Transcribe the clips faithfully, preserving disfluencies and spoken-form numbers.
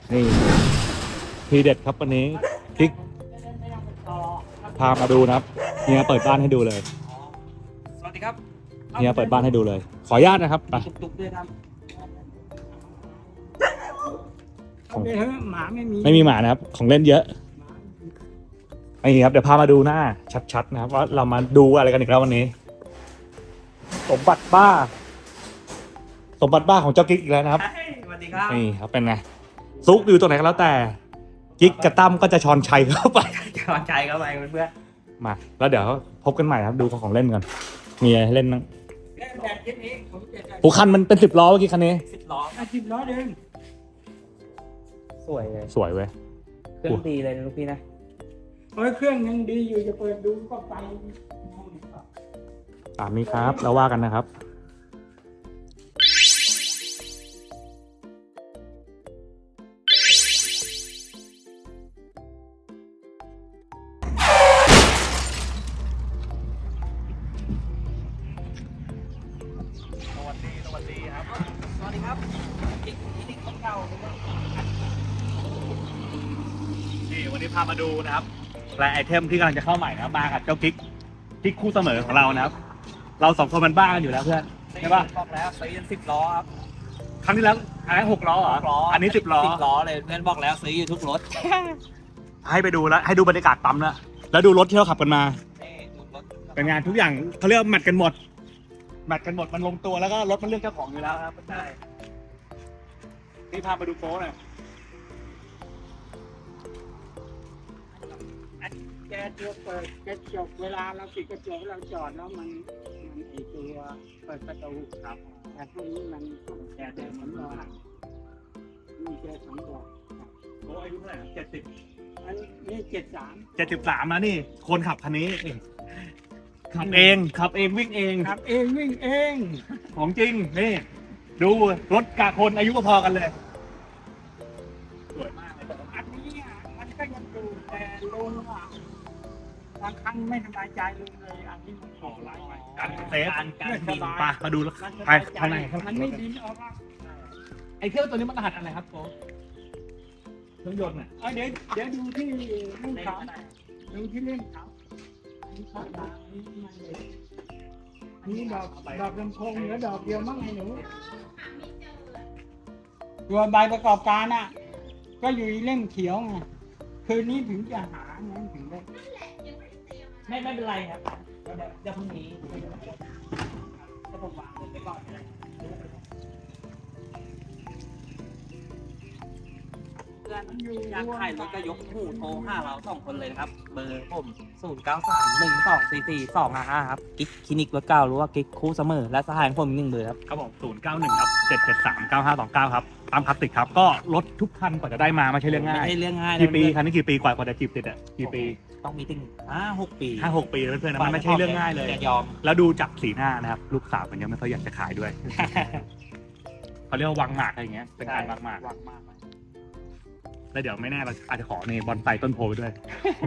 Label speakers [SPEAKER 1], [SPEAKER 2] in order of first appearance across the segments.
[SPEAKER 1] นี่ทีเด็ดครับวันนี้คลิกพามาดูนะครับเฮียเปิดบ้านให้ดูเลย
[SPEAKER 2] สวัสดีครับ
[SPEAKER 1] เฮียเปิดบ้านให้ดูเลย ขออนุญาตนะครับไป
[SPEAKER 2] ตุกๆด้วยครับ
[SPEAKER 1] ของ
[SPEAKER 3] ไม่เฮ้ยหมาไม่มี
[SPEAKER 1] ไม่มีหมานะครับ ของเล่นเยอะนี่ครับเดี๋ยวพามาดูหน้าชัดๆนะครับว่าเรามาดูอะไรกันอีกแล้ววันนี้ สมบัติบ้า สมบัติบ้าของเจ้ากิ๊กอีกแล้วนะครับ
[SPEAKER 2] สวัสดีครับ
[SPEAKER 1] นี่ครับเป็นไงซุกอยู่ตรงไหนก็แล้วแต่กิ๊กกับตั้มก็จะชอนชัยเข้าไป
[SPEAKER 2] จอนใจเข้าไปเพื่อน
[SPEAKER 1] มาแล้วเดี๋ยวพบกันใหม่ครับดูของของเล่นกันมีอะไรให้เล่นบ้าง
[SPEAKER 3] เล่นแบบคิดนี้ผมจะได้
[SPEAKER 1] หูคันมันเป็นสิบล้อเมื่อกี้คันนี้
[SPEAKER 2] สิบล้อ
[SPEAKER 3] อาชีพล้อเดิน
[SPEAKER 2] สวยเลย
[SPEAKER 1] สวยเว้ย
[SPEAKER 2] เครื่องดีเลยนะลูกพี่นะ
[SPEAKER 3] เฮ้ยเครื่องยังดีอยู่จะเปิดดูก็ไป
[SPEAKER 1] ตามนี้ครับแล้วว่ากันนะครับสวัสดีสวัสดีครับ
[SPEAKER 2] สวัสดีครับอีกอีกคนเก่า
[SPEAKER 1] นี่วันนี้พามาดูนะครับและไอเทมที่กำลังจะเข้าใหม่นะครับมากับเจ้ากิ๊กกิ๊กคู่เสมอของเรานะครับ เราสองคนมันบ้ากันอยู่แล้วเพื่อนใช่ปะ
[SPEAKER 2] บอกแล้วซื้อสิบล้อครับ
[SPEAKER 1] ครั้งที่แล้วอันนั้นหกล้อเหรอ
[SPEAKER 2] ล้อ
[SPEAKER 1] อันนี้สิบล้อ
[SPEAKER 2] สิบล้อเลยเพื่อนบอกแล้วซื้ออยู่ทุกรถ
[SPEAKER 1] ให้ไปดูแล้วให้ดูบรรยากาศปั๊มแล้วแล้วดูรถที่เราขับกันมา
[SPEAKER 2] นี่ทุกรถ
[SPEAKER 1] เป็นงานทุกอย่างเขาเรียกว่าแมทกันหมดแมทกันหมดมันลงตัวแล้วก็รถมันเลือกเจ้าของอยู่แล้วครับ
[SPEAKER 2] ใช่
[SPEAKER 1] นี่พามาดูโป๊หน่อย
[SPEAKER 3] แกตัวเปิดกระจกเวลาเราปิดกระจกเราจอดแล้วมันมันไอตัวเปิดประตูครับแต่พวกนี้มันแกเดินเหมือนว่ามีแกสองตัว
[SPEAKER 1] โป๊อายุเท่าไหร่เจ็ดสิบ
[SPEAKER 3] อันนี้เจ็ดสาม
[SPEAKER 1] เจ็ดสิบสามนะนี่คนขับคันนี้ขับเองขับเองวิ่งเอง
[SPEAKER 3] ขับเองวิ่งเอง
[SPEAKER 1] ของจริงนี่ดูรถกะคนอายุพอๆกันเลยสวยมากเลย
[SPEAKER 3] อันนี้อ่ะมันก็ยังดูแต่ลุงอ่ะบางครั้งไม่สบายใจลุงเลยอันนี้มันขอไล่ไป
[SPEAKER 1] การเซฟ
[SPEAKER 2] การการ
[SPEAKER 3] ส
[SPEAKER 2] บิน
[SPEAKER 3] บาย
[SPEAKER 1] ไปมาดูไปข้างในข้างใน
[SPEAKER 3] มันไม่บินออกมา
[SPEAKER 1] ไอเครื่องตัวนี้มันรหัสอะไรครับโป๊เครื่องยนต์อ่ะ
[SPEAKER 3] เอาเดี๋ยวเดี๋ยวดูที่เล่นเขาดูที่เล่นเขาอันนี้เข้ามาอันนี้ไม่เลยอันนี้ดอกดอกลำโพงเหลือดอกเดียวมั้งไอ้หนูตัวใบประกอบการอ่ะ ก็อยู่ในเล่มเขียวไงคืนนี้ถึงจะหาไงถึงได้
[SPEAKER 2] ไม่ไม่เป็นไรครับเดี๋ยวเดี๋ยวพรุ่งนี้จะผมวางไว้ก่อนเลยเพื่อน
[SPEAKER 3] อยู่
[SPEAKER 2] อยากขายรถก็ยกหูโทรหาเราสองคนเลยนะครับ เบอร์ผมศูนย์เก้าสามหนึ่งสองสี่สี่สองห้าห้าครับกิ๊กคลินิกรถเก่าหรือว่ากิ๊กคู่เสมอและสหายของผมอีกหนึ่งเบอร์ครับ
[SPEAKER 1] ครับผมศูนย์เก้าหนึ่งครับเจ็ดเจ็ดสามเก้าห้าสองเก้าครับตามคลาสสิกครับก็รถทุกคันกว่าจะได้มาไม่ใช่เรื่องง่าย
[SPEAKER 2] ไม่ใช่เรื่องง่ายนะ
[SPEAKER 1] กี่ปี
[SPEAKER 2] เพื่อน
[SPEAKER 1] คันนี้กี่ปีกว่ากว่าจะจีบติดอ่ะกี่ปี
[SPEAKER 2] ต้องมีถึงห้าหกปี
[SPEAKER 1] ห้าหกปีแล้วเพื่อนๆนะมันไม่ใช่เรื่องง่ายเลย
[SPEAKER 2] จะยอม
[SPEAKER 1] แล้วดูจากสีหน้านะครับลูกสาวมันยังไม่ค่อยอยากจะขายด้วย เขาเรียกว่าวางหมากอะไรอย่างเงี้ยเป็นการวางหมาก
[SPEAKER 2] วางมากเลย
[SPEAKER 1] แล้วเดี๋ยวไม่แน่เราอาจจะขอในบอนไซต้นโพไปด้วย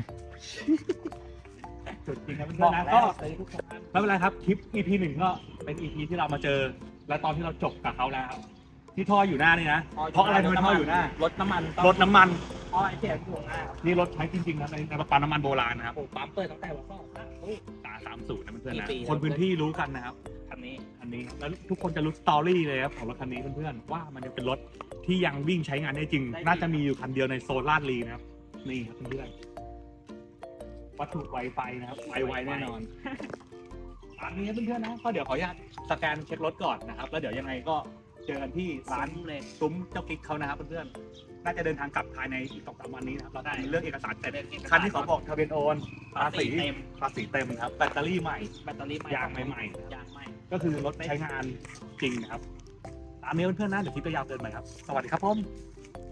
[SPEAKER 1] จุดจริงครับเพื่
[SPEAKER 2] บอ
[SPEAKER 1] อน
[SPEAKER 2] ก
[SPEAKER 1] ๆนะ
[SPEAKER 2] แล้
[SPEAKER 1] ก็
[SPEAKER 2] วซื้อทุกคน
[SPEAKER 1] ไม่เป็นไรครับคลิป อี พี หนึ่งก็เป็น อี พี ที่เรามาเจอ และตอนที่เราจบกับเขาแล้วครับที่ท่ออยู่หน้านี่นะเพราะอะไรทำไมท่ออยู่หน้าร
[SPEAKER 2] ถน้ำมัน
[SPEAKER 1] รถน้ำมัน
[SPEAKER 2] ท่อไอเสียอยู่หน้าครับ
[SPEAKER 1] นี่รถใช้จริงๆนะในในปั๊มน้ำมันโบราณนะครับ
[SPEAKER 2] ผมปั๊มเปิดตั้งแต่วันสองนะโอ้
[SPEAKER 1] สาสามศูนย์นะเพื่อนๆนะ
[SPEAKER 2] กี่ปี
[SPEAKER 1] คนพื้นที่รู้กันนะครับ
[SPEAKER 2] คันนี้
[SPEAKER 1] คันนี้ครับแล้วทุกคนจะรู้สตอรี่เลยครับของรถคันนี้เพื่อนๆว่ามันจะเป็นรถที่ยังวิ่งใช้งานได้จริง น่าจะมีอยู่คันเดียวในโซนลาดลีนะครับนี่ครับเพื่อนๆวัตถุไวไฟนะครับไวไวแน่นอนตามนี้ครับเพื่อนๆนะก็เดี๋ยวขออนุญาตสแกนเช็ครถก่อนนะครับแล้วเดี๋ยวยังไงก็เจอกันที่ร้าน
[SPEAKER 2] เลย
[SPEAKER 1] ซุ้มเจ้ากิ๊กเขานะครับเพื่อนๆน่าจะเดินทางกลับภายในอีกสองสามวันนี้นะครับเราได้เรื่องเอกสารเสร็จคันที่เขาบอกทะเบียนโอนภาษี
[SPEAKER 2] เต็ม
[SPEAKER 1] ภาษีเต็มครับแบตเตอรี่ใหม่
[SPEAKER 2] แบตเตอรี่ใหม่
[SPEAKER 1] ยางใหม่ๆนะครับ
[SPEAKER 2] ยางใหม่
[SPEAKER 1] ก็คือรถใช้งานจริงนะครับ ตามนี้เพื่อนๆนะเดี๋ยวคลิปจะยาวเกินไปครับ สวัสดีครับผม